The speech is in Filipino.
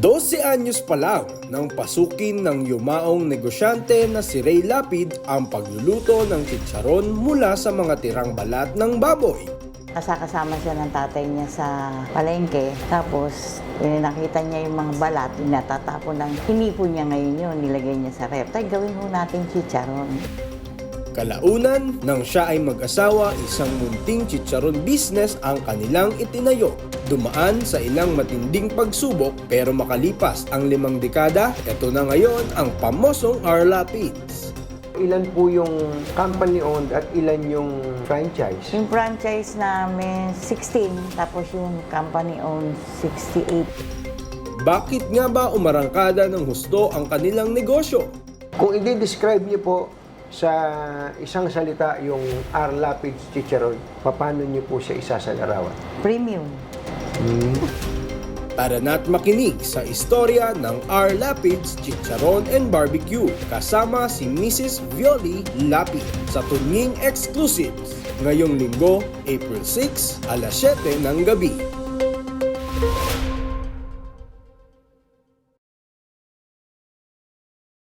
12 anyos pa lang nang pasukin ng yumaong negosyante na si Ray Lapid ang pagluluto ng chicharon mula sa mga tirang balat ng baboy. Kasama siya ng tatay niya sa palengke. Tapos, nakita niya yung mga balat, natatapon lang. Hinipon niya ngayon yun, nilagay niya sa ref. Tay, gawin mo natin chicharon. Kalaunan, nang siya ay mag-asawa, isang munting chicharon business ang kanilang itinayo. Dumaan sa ilang matinding pagsubok pero makalipas ang 5 dekada, ito na ngayon ang pamosong R. Lapids. Ilan po yung company-owned at ilan yung franchise? Yung franchise namin, 16. Tapos yung company-owned, 68. Bakit nga ba umarangkada ng husto ang kanilang negosyo? Kung i-describe niyo po sa isang salita yung R. Lapids Chicharon, paano niyo po siya isasalarawan? Premium. Tara na't makinig sa istorya ng R. Lapids Chicharon and Barbecue kasama si Mrs. Violi Lapid sa Tunying Exclusives ngayong linggo, April 6, alas 7 ng gabi.